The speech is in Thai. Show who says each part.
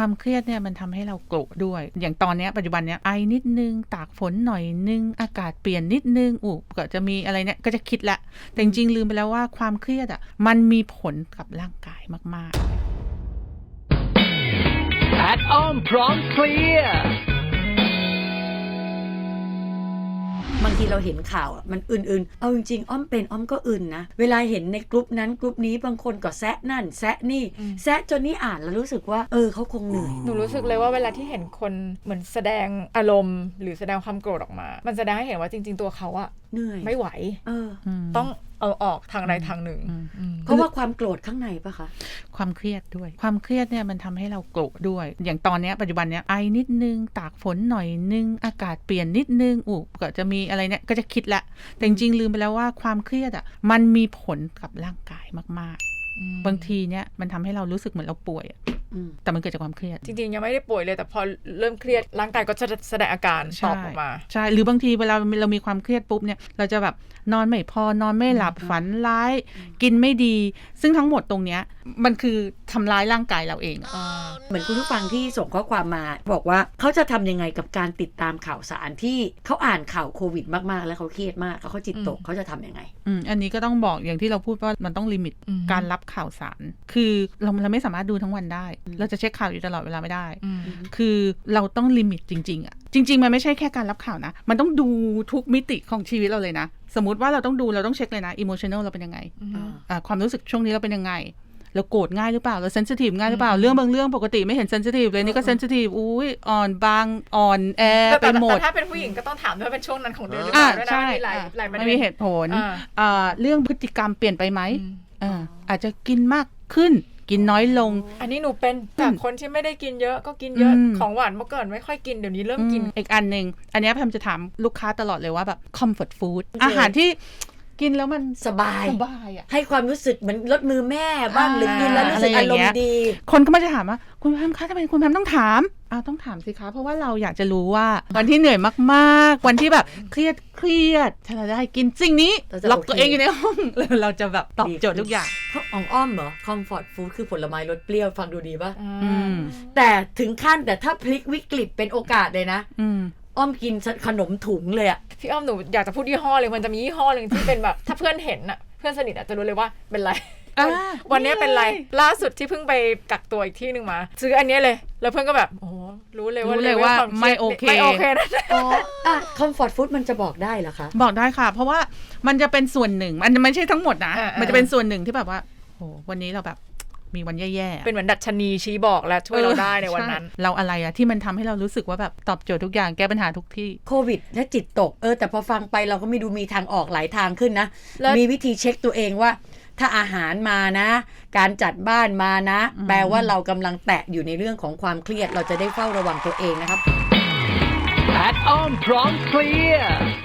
Speaker 1: ความเครียดเนี่ยมันทำให้เราโกรธด้วยอย่างตอนนี้ปัจจุบันเนี้ยไอนิดนึงตากฝนหน่อยนึงอากาศเปลี่ยนนิดนึงก็จะมีอะไรเนี่ยก็จะคิดละแต่จริงๆลืมไปแล้วว่าความเครียดอ่ะมันมีผลกับร่างกายมาก
Speaker 2: แพทอ้อมพร้อมเคลียร์
Speaker 3: บางทีเราเห็นข่าวมันอื่นๆเอาจริงๆอ้อมเป็นอ้อมก็อื่นนะเวลาเห็นในกลุ่มนั้นกลุ่มนี้บางคนก็แซะนั่นแซะนี่แซะจนนี่อ่านแล้วรู้สึกว่าเขาคงเหนื่อย
Speaker 4: หนูรู้สึกเลยว่าเวลาที่เห็นคนเหมือนแสดงอารมณ์หรือแสดงความโกรธออกมามันแสดงให้เห็นว่าจริงๆตัวเขาอะ
Speaker 3: เหนื่อย
Speaker 4: ไม่ไหวต้องเอาออกทางใดทางหนึ่ง
Speaker 3: เพราะว่าความโกรธข้างในปะคะ
Speaker 1: ความเครียดด้วยความเครียดเนี่ยมันทำให้เราโกรธด้วยอย่างตอนนี้ปัจจุบันเนี้ยไอนิดนึงตากฝนหน่อยนึงอากาศเปลี่ยนนิดนึงก็จะมีอะไรเนี่ยก็จะคิดละแต่จริงๆลืมไปแล้วว่าความเครียดอ่ะมันมีผลกับร่างกายมากๆบางทีเนี่ยมันทำให้เรารู้สึกเหมือนเราป่วยแต่มันเกิดจากความเครียด
Speaker 4: จริงๆยังไม่ได้ป่วยเลยแต่พอเริ่มเครียดร่างกายก็จะแสดงอาการตอบออกมา
Speaker 1: ใช่หรือบางทีเวลาเรามีความเครียดปุ๊บเนี่ยเราจะแบบนอนไม่พอนอนไม่หลับฝันร้ายกินไม่ดีซึ่งทั้งหมดตรงเนี้ยมันคือทำร้ายร่างกายเราเอง
Speaker 3: เหมือนคุณผู้ฟังที่ส่งข้อความมาบอกว่าเขาจะทำยังไงกับการติดตามข่าวสารที่เขาอ่านข่าวโควิดมากๆแล้วเขาเครียดมากแล้วเขาจิตตกเขาจะทำยังไง
Speaker 1: อันนี้ก็ต้องบอกอย่างที่เราพูดว่ามันต้องลิมิตการรับข่าวสารคือเราไม่สามารถดูทั้งวันได้เราจะเช็คข่าวอยู่ตลอดเวลาไม่ได้คือเราต้องลิมิตจริงๆอ่ะจริงๆมันไม่ใช่แค่การรับข่าวนะมันต้องดูทุกมิติของชีวิตเราเลยนะสมมติว่าเราต้องเช็คเลยนะอิโมชันแนลเราเป็นยังไงความรู้สึกช่วงนี้เราเป็นยังไงเราโกรธง่ายหรือเปล่าเราเซนซิทีฟง่ายหรือเปล่าเรื่องบางเรื่องปกติไม่เห็นเซนซิทีฟเลยนี่ก็เซนซิทีฟอ่อนบางอ่อนแอไปหมด
Speaker 4: แต่ถ้าเป็นผู้หญิงก็ต้องถามด้วยเป็นช่วงนั้นของเดือนหรือเปล่าด้วยนะมีหลายประเด็น
Speaker 1: มีเหตุผลเรื่องพฤติกรรมเปลี่ยนไปไหมอาจจะกินมากขึ้นกินน้อยลง
Speaker 4: อันนี้หนูเป็นจากคนที่ไม่ได้กินเยอะก็กินเยอะของหวานเมื่อก่อนไม่ค่อยกินเดี๋ยวนี้เริ่มกิน
Speaker 1: อีกอันนึงอันนี้แพมจะถามลูกค้าตลอดเลยว่าแบบ comfort food อาหารที่กินแล้วมัน
Speaker 3: สบาย
Speaker 1: อ่ะ
Speaker 3: ให้ความรู้สึกเหมือนลดมือแม่บ้างหรือกินแล้วรู้สึกอารมณ์ดี
Speaker 1: คนก็มาจะถามว่าคุณแพมคะทำไมคุณแพมต้องถามต้องถามสิคะเพราะว่าเราอยากจะรู้ว่าวันที่เหนื่อยมากๆวันที่แบบเครียดถ้าเราได้กินสิ่งนี้ล็อกตัวเองอยู่ในห้องเราจะแบบตอบโจทย์ทุกอย่าง
Speaker 3: ของอ้อมเหรอ comfort food คือผลไม้รสเปรี้ยวฟังดูดีป่ะแต่ถึงขั้นแต่ถ้าพลิกวิกฤตเป็นโอกาสเลยนะอ้อมกินขนมถุงเลยอะ
Speaker 4: พี่อ้อมหนูอยากจะพูดยี่ห้อเลยมันจะมียี่ห้อนึงที่เป็นแบบถ้าเพื่อนเห็นอะเพื่อนสนิทอะจะรู้เลยว่าเป็นไรวันนี้เป็นไรล่าสุดที่เพิ่งไปกักตัวอีกที่นึงมาซื้ออันนี้เลยแล้วเพื่อนก็แบบโอ้รู้เลยว่า
Speaker 1: ไม่โอเค
Speaker 4: นะ
Speaker 3: comfort food มันจะบอกได้เหรอคะ
Speaker 1: บอกได้ค่ะเพราะว่ามันจะเป็นส่วนหนึ่งมันไม่ใช่ทั้งหมดนะมันจะเป็นส่วนหนึ่งที่แบบว่าโอ้วันนี้เราแบบมีวันแย่ๆ
Speaker 4: เป็นเหมือนดัชนีชี้บอกและช่วยเราได้ในวันนั้น
Speaker 1: เราอะไรอะที่มันทำให้เรารู้สึกว่าแบบตอบโจทย์ทุกอย่างแก้ปัญหาทุกที่
Speaker 3: โควิดและจิตตกแต่พอฟังไปเราก็ไม่ดูมีทางออกหลายทางขึ้นนะมีวิธีเช็คตัวเองว่าถ้าอาหารมานะการจัดบ้านมานะแปลว่าเรากำลังแตะอยู่ในเรื่องของความเครียดเราจะได้เฝ้าระวังตัวเองนะครับ
Speaker 2: แพทอ้อมพร้อมเคลียร์